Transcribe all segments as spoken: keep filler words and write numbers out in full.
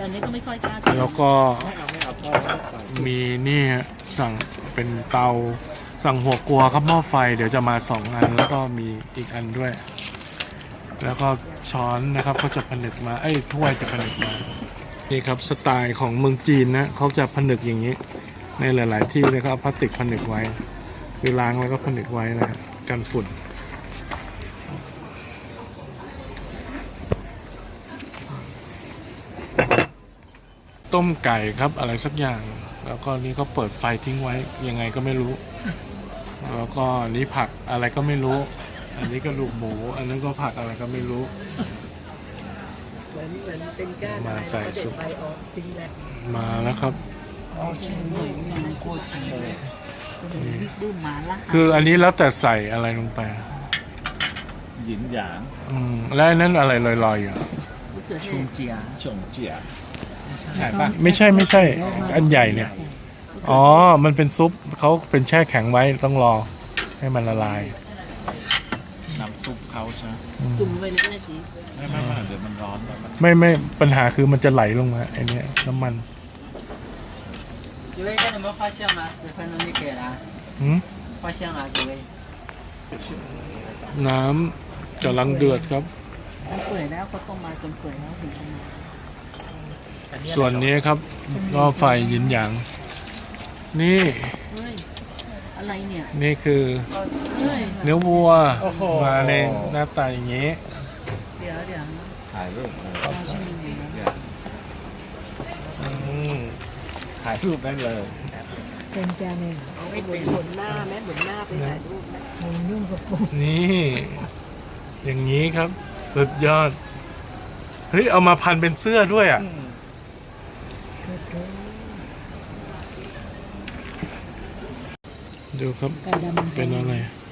อนนี้ก็ไม่ค่อยกล้าทำแล้วก็มีนี่ฮะสั่งเป็นเตาสั่งหัวกัวครับหม้อไฟเดี๋ยวจะมาสองอันแล้วก็มีอีกอันด้วย แล้วก็ช้อนนะครับเขาจะผนึกมาไอ้ถ้วยจะผนึกมานี่ครับสไตล์ของเมืองจีนนะเขาจะผนึกอย่างนี้ในหลาย ๆ ที่เลยครับพลาสติกผนึกไว้คือล้างแล้วก็ผนึกไว้นะกันฝุ่นต้มไก่ครับอะไรสักอย่าง แล้วก็นี่ก็เปิดไฟทิ้งไว้ยังไงก็ไม่รู้ แล้วก็นี่ผักอะไรก็ไม่รู้ อันนี้ก็ลูกหมูอันนั้นก็ผักอะไรก็ไม่รู้มาใส่ซุปมาแล้วครับคืออันนี้แล้วแต่ใส่อะไรลงไปหยินหยางอืมแล้วอันนั้นอะไรลอยๆอยู่ชงเจียชงเจียใช่ปะไม่ใช่ไม่ใช่อันใหญ่เนี่ยอ๋อมันเป็นซุปเขาเป็นแช่แข็งไว้ต้องรอให้มันละลายน้ำซุปเขาใช่ไหมจุ่มไปเลยก็ได้สิไม่ไม่ไม่เดี๋ยวมันร้อนแล้วมันไม่ไม่ปัญหาคือมันจะไหลลงมาไอ้นี่น้ำมัน几位看你们画像吗？十分钟就给了。 อืม画像啊，几位。 น้ำกำลังเดือดครับมันเปื่อยแล้วก็ต้มมาจนเปื่อยแล้วถึงมาส่วนนี้ครับก็ไฟหยินหยางนี่เฮ้ยอะไรเนี่ยนี่คือเฮ้ยเนื้อวัวมาในหน้าตาอย่างนี้เดี๋ยวเดี๋ยวถ่ายรูปเราชิมดูนะถ่ายรูปได้เลยเป็นจานเองเอาไปหมุนหน้าแม่หมุนหน้าไปถ่ายรูปนะมันยุ่งกับปุ๊บนี่อย่างนี้ครับสุดยอดเฮ้ยเอามาพันเป็นเสื้อด้วยอ่ะดูครับเป็นอะไร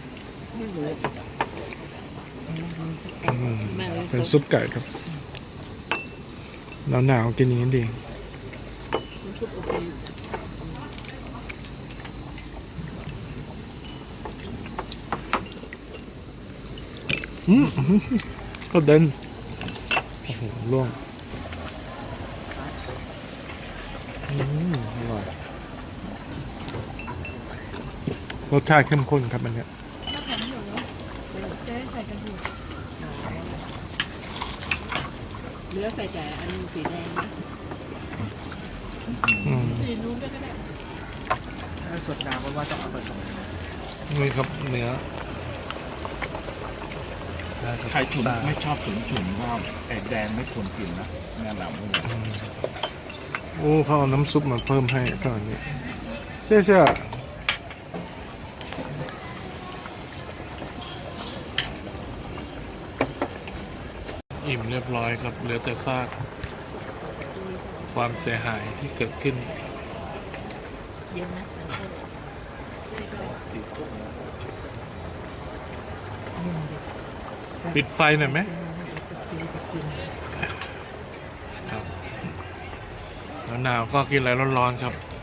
เป็นซุปไก่ครับหนาวหนาวกินอย่างนี้ดีอืมก็เด่นโอ้โหล่วงอืมอร่อยรสชาติเข้มข้นครับอันเนี้ยเนื้อใส่แต่อันสีแดงนะสีนู้นก็ได้สดน้ำเพราะว่าต้องเอาผสมนี่ครับเนื้อใครฉุนไม่ชอบฉุนฉุนว่าไอ้แดงไม่ควรกินนะแนะนำเลยโอ้เขาเอาน้ำซุปมาเพิ่มให้ตอนนี้เชื่อเชื่ออิ่มเรียบร้อยครับเหลือแต่ซากความเสียหายที่เกิดขึ้นปิดไฟหน่อยไหมครับหนาวๆก็กินอะไรร้อนๆครับ